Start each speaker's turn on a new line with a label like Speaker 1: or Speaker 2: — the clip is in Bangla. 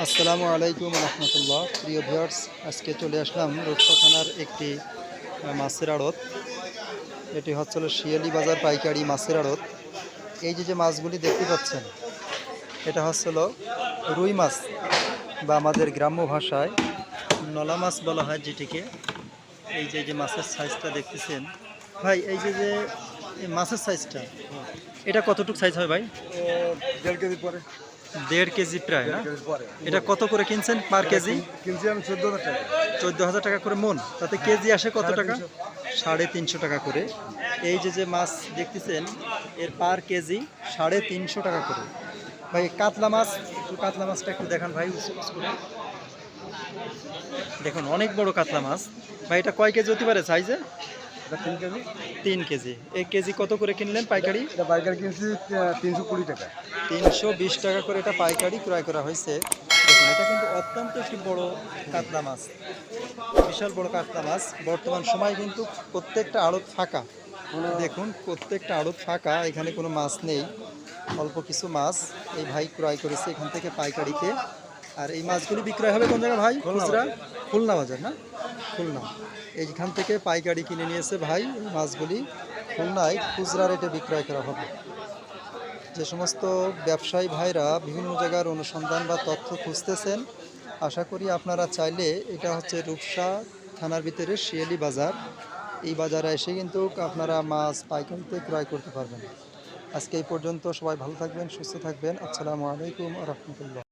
Speaker 1: আসসালামু আলাইকুম রহমতুল্লাহ। প্রিয় ভিউয়ার্স, আজকে চলে আসলাম রূপসা থানার একটি মাছের আড়ত। এটি হচ্ছিল শিয়ালি বাজার পাইকারি মাছের আড়ত। এই যে মাছগুলি দেখতে পাচ্ছেন, এটা হচ্ছিল রুই মাছ বা আমাদের গ্রাম্য ভাষায় নলা মাছ বলা হয় যেটিকে। এই যে মাছের সাইজটা দেখতেছেন ভাই, এই যে মাছের সাইজটা, এটা কতটুকু সাইজ হয় ভাই?
Speaker 2: 1.5 কেজি পরে।
Speaker 1: 1.5 কেজি প্রায় না?
Speaker 2: পরে
Speaker 1: এটা কত করে কিনছেন পার কেজি?
Speaker 2: কিনছি আমি 14,000 টাকা।
Speaker 1: 14,000 টাকা করে মন, তাতে কেজি আসে কত টাকা? 350 টাকা করে। এই যে মাছ দেখতেছেন, এর পার কেজি 350 টাকা করে। ভাই কাতলা মাছ, একটু কাতলা মাছটা একটু দেখান ভাই। দেখুন অনেক বড় কাতলা মাছ ভাই। এটা কয় কেজি হতে পারে সাইজে?
Speaker 2: 3 কেজি।
Speaker 1: 3 কেজি। এই কেজি কত করে কিনলেন পাইকারি?
Speaker 2: এটা পাইকারি কিনছি 320 টাকা।
Speaker 1: 320 টাকা করে এটা পাইকারি ক্রয় করা হয়েছে। দেখুন এটা কিন্তু অত্যন্ত একটি বড় কাতলা মাছ, বিশাল বড় কাতলা মাছ। বর্তমান সময় কিন্তু প্রত্যেকটা আড়ত ফাঁকা। দেখুন প্রত্যেকটা আড়ত ফাঁকা, এখানে কোনো মাছ নেই। অল্প কিছু মাছ এই ভাই ক্রয় করেছে এখান থেকে পাইকারিতে। আর এই মাছগুলি বিক্রয় হবে কোন জায়গায় ভাই? খুচরা খুলনা বাজার না? খুলনা। এইখান থেকে পাইকারি কিনে নিয়েছে ভাই। এই মাছগুলি খুলনায় খুচরা রেটে বিক্রয় করা হবে। যে সমস্ত ব্যবসায়ী ভাইরা বিভিন্ন জায়গার অনুসন্ধান বা তথ্য খুঁজতেছেন, আশা করি আপনারা চাইলে, এটা হচ্ছে রূপসা থানার ভিতরে শিয়ালি বাজার, এই বাজারে এসে কিন্তু আপনারা মাছ পাইকারিতে ক্রয় করতে পারবেন। আজকে এই পর্যন্ত। সবাই ভালো থাকবেন, সুস্থ থাকবেন। আসসালামু আলাইকুম রহমতুল্লাহ।